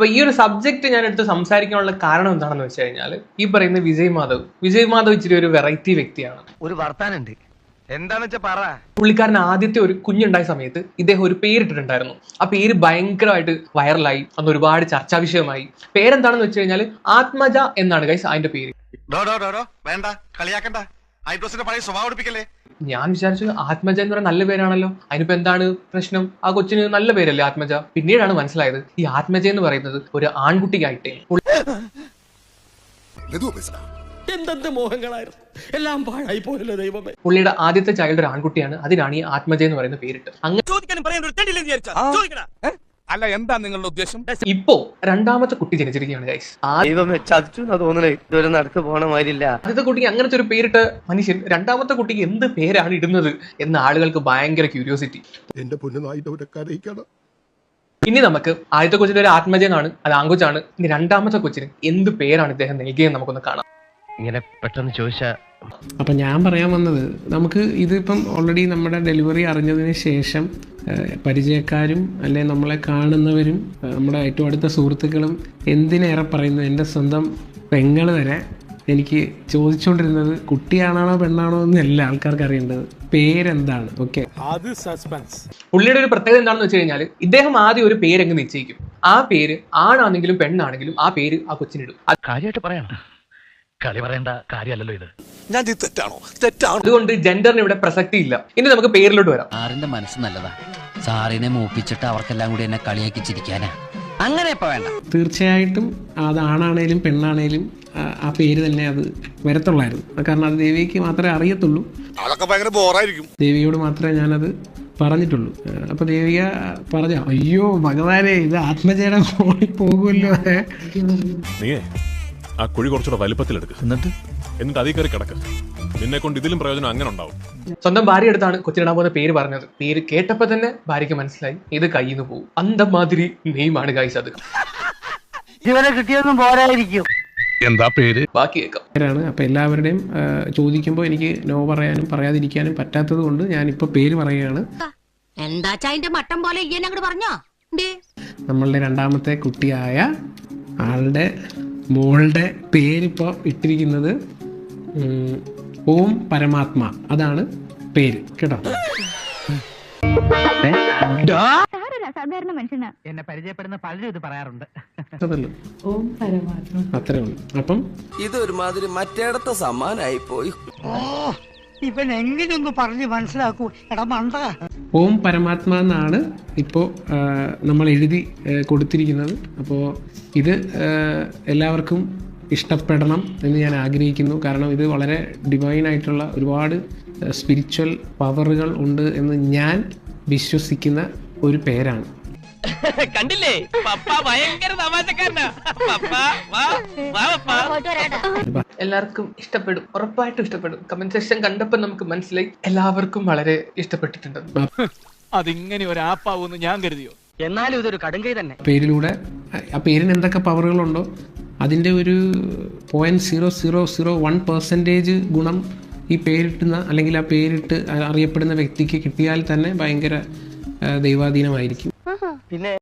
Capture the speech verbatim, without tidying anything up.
അപ്പൊ ഈ ഒരു സബ്ജക്ട് ഞാൻ എടുത്ത് സംസാരിക്കാനുള്ള കാരണം എന്താണെന്ന് വെച്ച് കഴിഞ്ഞാൽ ഈ പറയുന്ന വിജയ് മാധവ് വിജയ് മാധവ് ഇച്ചിരി ഒരു വെറൈറ്റി വ്യക്തിയാണ്. ഒരു വർത്താനുണ്ട്, എന്താന്ന് വെച്ചാ പറ. പുള്ളിക്കാരൻ ആദ്യത്തെ ഒരു കുഞ്ഞുണ്ടായ സമയത്ത് ഇദ്ദേഹം ഒരു പേരിട്ടിട്ടുണ്ടായിരുന്നു. ആ പേര് ഭയങ്കരമായിട്ട് വൈറലായി, അന്ന് ഒരുപാട് ചർച്ചാ വിഷയമായി. പേരെന്താണെന്ന് വെച്ച് കഴിഞ്ഞാൽ ആത്മജ എന്നാണ് ഗൈസ് അതിന്റെ പേര്. വേണ്ട കളിയാക്കണ്ട, ഐബ്രോസിന്റെ പഴയ സ്വഭാവം എടുപ്പിക്കല്ലേ. ഞാൻ വിചാരിച്ചു ആത്മജ എന്ന് പറയുന്ന നല്ല പേരാണല്ലോ, അതിനിപ്പോ എന്താണ് പ്രശ്നം, ആ കൊച്ചിന് നല്ല പേരല്ലേ ആത്മജ. പിന്നീടാണ് മനസ്സിലായത് ഈ ആത്മജ എന്ന് പറയുന്നത് ഒരു ആൺകുട്ടിക്കായിട്ടേ. എന്തെന്ത് മോഹങ്ങളായിരുന്നു, എല്ലാം പാഴായി പോയല്ലോ ദൈവമേ. പുള്ളിയുടെ ആദ്യത്തെ ചൈൽഡ് ഒരു ആൺകുട്ടിയാണ്, അതിനാണ് ഈ ആത്മജ എന്ന് പറയുന്ന പേരിട്ട്. അങ്ങനെ അല്ല, എന്താ നിങ്ങളുടെ ഉദ്ദേശം? ഇപ്പോ രണ്ടാമത്തെ കുട്ടി ജനിച്ചിരിക്കുകയാണ് ഗൈസ്. നടക്ക് പോണ മാതിരില്ല. ആദ്യത്തെ കുട്ടിക്ക് അങ്ങനത്തെ ഒരു പേരിട്ട് മനുഷ്യൻ രണ്ടാമത്തെ കുട്ടിക്ക് എന്ത് പേരാണ് ഇടുന്നത് എന്ന് ആളുകൾക്ക് ഭയങ്കര ക്യൂരിയോസിറ്റി. എന്റെ പൊന്നു, ഇനി നമുക്ക് ആദ്യത്തെ കൊച്ചിന്റെ ഒരു ആത്മജ എന്നാണ്, അത് ആൺകൊച്ചാണ്. ഇനി രണ്ടാമത്തെ കൊച്ചിന് എന്ത് പേരാണ് ഇദ്ദേഹം നൽകിയെന്ന് നമുക്കൊന്ന് കാണാം. ഇങ്ങനെ പെട്ടെന്ന് ചോദിച്ചാ അപ്പം ഞാൻ പറയാൻ വന്നത്, നമുക്ക് ഇതിപ്പം ഓൾറെഡി നമ്മുടെ ഡെലിവറി അറിഞ്ഞതിന് ശേഷം പരിചയക്കാരും അല്ലെ നമ്മളെ കാണുന്നവരും നമ്മുടെ ഏറ്റവും അടുത്ത സുഹൃത്തുക്കളും എന്തിനേറെ പറയുന്നു, എൻ്റെ സ്വന്തം പെങ്ങൾ വരെ എനിക്ക് ചോദിച്ചുകൊണ്ടിരുന്നത് കുട്ടിയാണാണോ പെണ്ണാണോ എന്നല്ല ആൾക്കാർക്ക് അറിയേണ്ടത്, പേരെന്താണ്. ഓക്കെ, അത് സസ്പെൻസ്. പുള്ളിയുടെ ഒരു പ്രത്യേകത എന്താണെന്ന് വെച്ച് കഴിഞ്ഞാൽ ഇദ്ദേഹം ആദ്യം ഒരു പേരെങ്ങ് നിശ്ചയിക്കും. ആ പേര് ആണാണെങ്കിലും പെണ്ണാണെങ്കിലും ആ പേര് ആ കൊച്ചിനിടും. കാര്യമായിട്ട് പറയണ്ട, കളി പറയേണ്ട കാര്യമല്ലല്ലോ ഇത്. ഞാൻ തെറ്റാണോ? തെറ്റാണോ? അതുകൊണ്ട് ജെൻഡറിന് ഇവിടെ പ്രസക്തി ഇല്ല. ഇനി നമുക്ക് പേരിലോട്ട് വരാം. സാറിന്റെ മനസ്സ് നല്ലതാ, സാറിനെ മൂപ്പിച്ചിട്ട് അവർക്കെല്ലാം കൂടി എന്നെ കളിയാക്കി ചിരിക്കാനാ. അങ്ങനെ ഇപ്പൊ വേണ്ട. തീർച്ചയായിട്ടും അത് ആണാണേലും പെണ്ണാണേലും ആ പേര് തന്നെ അത് വരത്തുള്ളായിരുന്നു. കാരണം അത് ദേവിക്ക് മാത്രമേ അറിയത്തുള്ളൂ, അതൊക്കെ ഭയങ്കര ബോറായിരിക്കും. ദേവിയോട് മാത്രമേ ഞാനത് പറഞ്ഞിട്ടുള്ളൂ. അപ്പൊ ദേവിക പറഞ്ഞ, അയ്യോ ഭഗവാനെ, ഇത് ആത്മജയുടെ മോളിൽ പോകുമല്ലോ. നീയേ ആ കുഴി കുറച്ചുകൂടെ വലിപ്പത്തിലെടുക്കുക, എന്നിട്ട് എന്നിട്ട് അതിൽ കയറി കിടക്കുക. നിന്നെ കൊണ്ട് ഇതിലും പ്രയോജനം അങ്ങനെ ഉണ്ടാവും. സ്വന്തം ഭാര്യ അടുത്താണ് കൊച്ചിനിടാൻ പോകുന്ന പേര് പറഞ്ഞത്. പേര് കേട്ടപ്പോ തന്നെ ഭാര്യയ്ക്ക് മനസ്സിലായി ഇത് കയ്യിൽ നിന്ന് പോകും. അന്തമാതിരി നെയ്മാണ് ഗൈസ് അത്. ഇവരെ കിട്ടിയൊന്നും പോരായിരിക്കും. എന്താ പേര്? ബാക്കി കേൾക്കാം. പേരാണ്. അപ്പൊ എല്ലാവരുടെയും ചോദിക്കുമ്പോൾ എനിക്ക് നോ പറയാനും പറയാതിരിക്കാനും പറ്റാത്തത് കൊണ്ട് ഞാനിപ്പോ പേര് പറയുകയാണ്. നമ്മളുടെ രണ്ടാമത്തെ കുട്ടിയായ ആളുടെ മോളുടെ പേരിപ്പോ ഇട്ടിരിക്കുന്നത് ഓം പരമാത്മ, അതാണ് പേര് കേട്ടോ. സാധാരണ മനുഷ്യനാ, എന്നെ പരിചയപ്പെടുന്ന പലരും ഇത് പറയാറുണ്ട്. ഓം പരമാത്മ അത്രേ ഉള്ളൂ. അപ്പം ഇതൊരുമാതിരി മറ്റേടത്തെ സമ്മാനായി പോയി. ഇവൻ എങ്ങനെയൊന്ന് പറഞ്ഞ് മനസ്സിലാക്കൂ എടാ മണ്ട. ഓം പരമാത്മ എന്നാണ് ഇപ്പോൾ നമ്മൾ എഴുതി കൊടുത്തിരിക്കുന്നത്. അപ്പോൾ ഇത് എല്ലാവർക്കും ഇഷ്ടപ്പെടണം എന്ന് ഞാൻ ആഗ്രഹിക്കുന്നു. കാരണം ഇത് വളരെ ഡിവൈൻ ആയിട്ടുള്ള ഒരുപാട് സ്പിരിച്വൽ പവറുകൾ ഉണ്ട് എന്ന് ഞാൻ വിശ്വസിക്കുന്ന ഒരു പേരാണ്. കണ്ടില്ലേ, പപ്പ ഭയങ്കര തമാശക്കാരനാ. എല്ലാവർക്കും ഇഷ്ടപ്പെടും, ഉറപ്പായിട്ടും ഇഷ്ടപ്പെടും. കമന്റ് സെക്ഷൻ കണ്ടപ്പോൾ നമുക്ക് മനസ്സിലായി എല്ലാവർക്കും വളരെ ഇഷ്ടപ്പെട്ടിട്ടുണ്ട്. അതിങ്ങനെ ഒരു ആപ്പാവൂന്ന് ഞാൻ കരുതിയോ? എന്നാലും ഇതൊരു കടുങ്കൈ തന്നെ. പേരിലൂടെ ആ പേരിന് എന്തൊക്കെ പവറുകളുണ്ടോ അതിൻ്റെ ഒരു point zero zero zero one percentage ഗുണം ഈ പേരിട്ടുന്ന അല്ലെങ്കിൽ ആ പേരിട്ട് അറിയപ്പെടുന്ന വ്യക്തിക്ക് കിട്ടിയാൽ തന്നെ ഭയങ്കര ദൈവാധീനമായിരിക്കും. പിന്നെ